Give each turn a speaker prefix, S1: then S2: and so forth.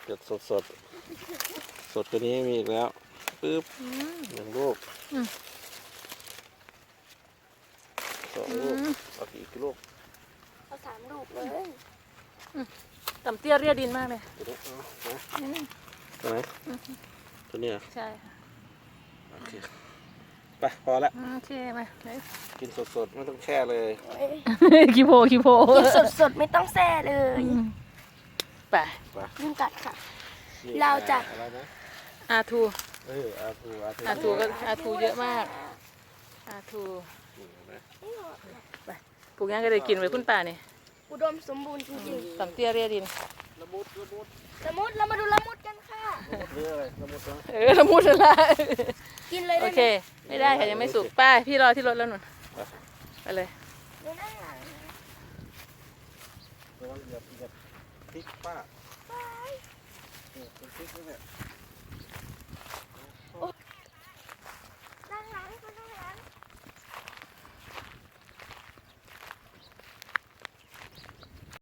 S1: ดสดสดกว่านี้มีอีกแล้วปึ๊บหนึ่งลูกสองลูกเอาอีกลูก
S2: เอา3 ลูกเลย
S3: ต่ำเตี้ยเรียดินมากเลย
S1: ตัวนี้ตัวไหนตัวนี้เหรอ
S3: ใช่ค่ะ
S1: โอเคไปพอละ
S3: โอเคมาเลย
S1: กินสดไม่ต้องแช่เลย
S3: คิโพ
S2: กินสดๆไม่ต้องแซ่เลย
S3: ไป
S1: ไป
S2: ยุงกัดค่ะ
S1: นี่
S2: เราจะ
S1: อะไรนะ
S3: อาทู
S1: อาทู
S3: อาทูเยอะมากอาทู
S1: นี่เห็นไหม
S3: ไปปลูกยังก็ได้กินไว้คุณป่านี่
S2: อุดมสมบูรณ์จริง
S3: ต่ำเตี้ยเรียดิน
S1: ละมุด
S2: ๆละมุดเรามาดูละมุดกันค่ะ
S1: เรื่องอะไรละมุดนะ
S3: ละมุดละ
S2: กินเลย
S3: โอ
S2: ได้
S3: เค
S2: ไหม
S3: ไม่ได้ค่ะยังไม่สุกป้าพี่รอที่รถแล้วนุ่นไปเลย
S2: ดูด้านหลัง
S1: ระวังเหยียบพริกป้าเป็นพริกนี่เนี่ย